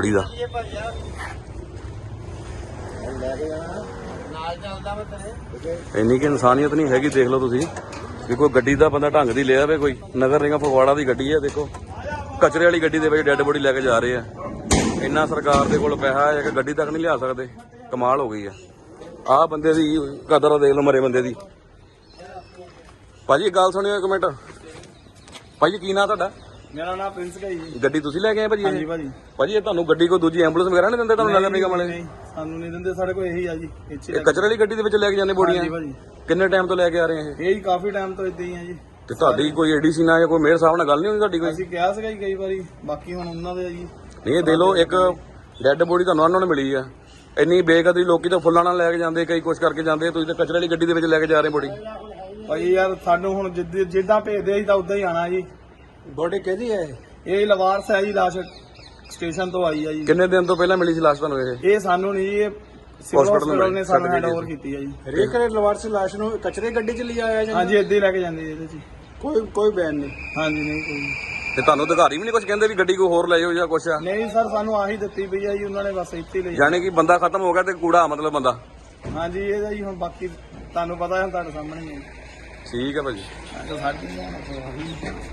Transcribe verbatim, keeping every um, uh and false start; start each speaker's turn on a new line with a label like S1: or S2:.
S1: Body ਦਾ। ਇੰਨੀ ਕਿ ਇਨਸਾਨੀਅਤ ਨਹੀਂ ਹੈਗੀ। ਦੇਖ ਲਓ ਤੁਸੀਂ ਵੀ ਕੋਈ ਗੱਡੀ ਦਾ ਬੰਦਾ ਢੰਗ ਦੀ ਲਿਆ ਵੇ, ਕੋਈ ਨਗਰ ਨਿਗਮ ਫਗਵਾੜਾ ਦੀ ਗੱਡੀ ਹੈ। ਦੇਖੋ ਕਚਰੇ ਵਾਲੀ ਗੱਡੀ ਦੇ ਵਿੱਚ ਡੈੱਡ ਬੋਡੀ ਲੈ ਕੇ ਜਾ ਰਹੇ ਆ। ਇੰਨਾ ਸਰਕਾਰ ਦੇ ਕੋਲ ਪੈਸਾ ਹੈ ਕਿ ਗੱਡੀ ਤੱਕ ਨਹੀਂ ਲਿਆ ਸਕਦੇ। ਕਮਾਲ ਹੋ ਗਈ ਆ। ਆਹ ਬੰਦੇ ਦੀ ਕਦਰ ਦੇਖ ਲਓ, ਮਰੇ ਬੰਦੇ ਦੀ। ਭਾਜੀ ਗੱਲ ਸੁਣਿਓ ਇੱਕ ਮਿੰਟ। ਭਾਜੀ ਕੀ ਨਾਂ ਤੁਹਾਡਾ?
S2: ਮੇਰਾ ਨਾਮ ਪ੍ਰਿੰਸ ਹੈ ਜੀ।
S1: ਗੱਡੀ ਤੁਸੀਂ ਲੈ ਕੇ ਆਏ ਭਾਜੀ?
S2: ਹਾਂਜੀ ਭਾਜੀ।
S1: ਭਾਜੀ ਇਹ ਤੁਹਾਨੂੰ ਗੱਡੀ ਕੋਈ ਦੂਜੀ ਐਂਬੂਲੈਂਸ ਵਗੈਰਾ ਨਹੀਂ ਦਿੰਦੇ ਤੁਹਾਨੂੰ ਨਗਰ ਨਿਗਮ ਵਾਲੇ?
S2: ਨਹੀਂ, ਸਾਨੂੰ ਨਹੀਂ ਦਿੰਦੇ। ਸਾਡੇ ਕੋਲ ਇਹੀ ਆ ਜੀ।
S1: ਇਹ ਕਚਰੇ ਵਾਲੀ ਗੱਡੀ ਦੇ ਵਿੱਚ ਲੈ ਕੇ ਜਾਂਦੇ ਬੋਡੀਆਂ?
S2: ਹਾਂਜੀ ਭਾਜੀ।
S1: ਕਿੰਨੇ ਟਾਈਮ ਤੋਂ ਲੈ ਕੇ ਆ ਰਹੇ ਇਹ?
S2: ਇਹ ਹੀ ਕਾਫੀ ਟਾਈਮ ਤੋਂ ਇਦਾਂ ਹੀ ਆ ਜੀ।
S1: ਤੇ ਤੁਹਾਡੀ ਕੋਈ ਏਡੀਸੀ ਨਾਲ ਜਾਂ ਕੋਈ ਮੇਅਰ ਸਾਹਿਬ ਨਾਲ ਗੱਲ ਨਹੀਂ ਹੋਈ ਤੁਹਾਡੀ ਕੋਈ?
S2: ਅਸੀਂ ਕਿਹਾ ਸੀਗਾ ਜੀ ਕਈ ਵਾਰੀ, ਬਾਕੀ ਹੁਣ ਉਹਨਾਂ ਦੇ ਆ ਜੀ।
S1: ਨਹੀਂ ਦੇ ਲੋ, ਇੱਕ ਡੈੱਡ ਬੋਡੀ ਤੁਹਾਨੂੰ ਉਹਨਾਂ ਨੂੰ ਮਿਲੀ ਆ। ਇੰਨੀ ਬੇਕਦਰੀ, ਲੋਕੀ ਤਾਂ ਫੁੱਲਾਂ ਨਾਲ ਲੈ ਕੇ ਜਾਂਦੇ, ਕਈ ਕੁਛ ਕਰਕੇ ਜਾਂਦੇ, ਤੁਸੀਂ ਤਾਂ ਕਚਰੇ ਵਾਲੀ ਗੱਡੀ ਦੇ ਵਿੱਚ ਲੈ ਕੇ ਜਾ ਰਹੇ ਬੋਡੀ।
S2: ਭਾਈ ਯਾਰ ਸਾਨੂੰ ਹੁਣ ਜਿੱਦ ਜਿੱਦਾਂ ਭੇਜਦੇ ਅਸੀਂ ਤਾਂ ਉਦਾਂ ਹੀ ਆਣਾ ਜੀ।
S3: ਬੋਡੀ ਕਿਹਦੀ ਹੈ?
S2: ਇਹ ਲਵਾਰਸ ਹੈ ਜੀ, ਲਾਸ਼ ਸਟੇਸ਼ਨ ਤੋਂ ਆਈ ਆ ਜੀ।
S1: ਕਿੰਨੇ ਦਿਨ ਤੋਂ ਪਹਿਲਾਂ ਮਿਲੀ ਸੀ ਲਾਸ਼ ਤੁਹਾਨੂੰ ਇਹ?
S2: ਇਹ ਸਾਨੂੰ ਨਹੀਂ ਜੀ, ਇਹ ਸਿਵਲ ਹਸਪੀਟਲ ਨੇ ਸਾਨੂੰ ਹੈਂਡ ਓਵਰ ਕੀਤੀ ਆ ਜੀ।
S3: ਹਰੇਕ ਲਵਾਰਸ ਲਾਸ਼ ਨੂੰ ਕਚਰੇ ਗੱਡੀ 'ਚ ਲਿਆ ਆਇਆ ਜਾਂਦਾ?
S2: ਹਾਂਜੀ, ਏਦਾਂ ਹੀ ਲੈ ਕੇ ਜਾਂਦੇ ਇਹਦੇ 'ਚ।
S3: ਕੋਈ ਕੋਈ ਬਿਆਨ ਨਹੀਂ?
S2: ਹਾਂਜੀ ਨਹੀਂ ਕੋਈ।
S1: ਤੇ ਤੁਹਾਨੂੰ ਅਧਿਕਾਰੀ ਵੀ ਨਹੀਂ ਕੁਝ ਕਹਿੰਦੇ ਵੀ ਗੱਡੀ ਕੋਈ ਹੋਰ ਲੈ ਜਾਓ ਜਾਂ ਕੁਛ ਆ?
S2: ਨਹੀਂ ਸਰ, ਸਾਨੂੰ ਆਹੀ ਦਿੱਤੀ ਪਈ ਆ ਜੀ ਉਹਨਾਂ ਨੇ, ਬਸ ਇੱਥੇ ਲਈ।
S1: ਯਾਨੀ ਕਿ ਬੰਦਾ ਖਤਮ ਹੋ ਗਿਆ ਤੇ ਕੂੜਾ ਮਤਲਬ ਬੰਦਾ।
S2: ਹਾਂਜੀ ਇਹਦਾ ਜੀ ਹੁਣ ਬਾਕੀ ਤੁਹਾਨੂੰ ਪਤਾ ਹੈ, ਤੁਹਾਡੇ ਸਾਹਮਣੇ ਹੀ ਹੈ।
S1: ਠੀਕ ਹੈ ਭਾਜੀ।
S2: ਸਾਡੀ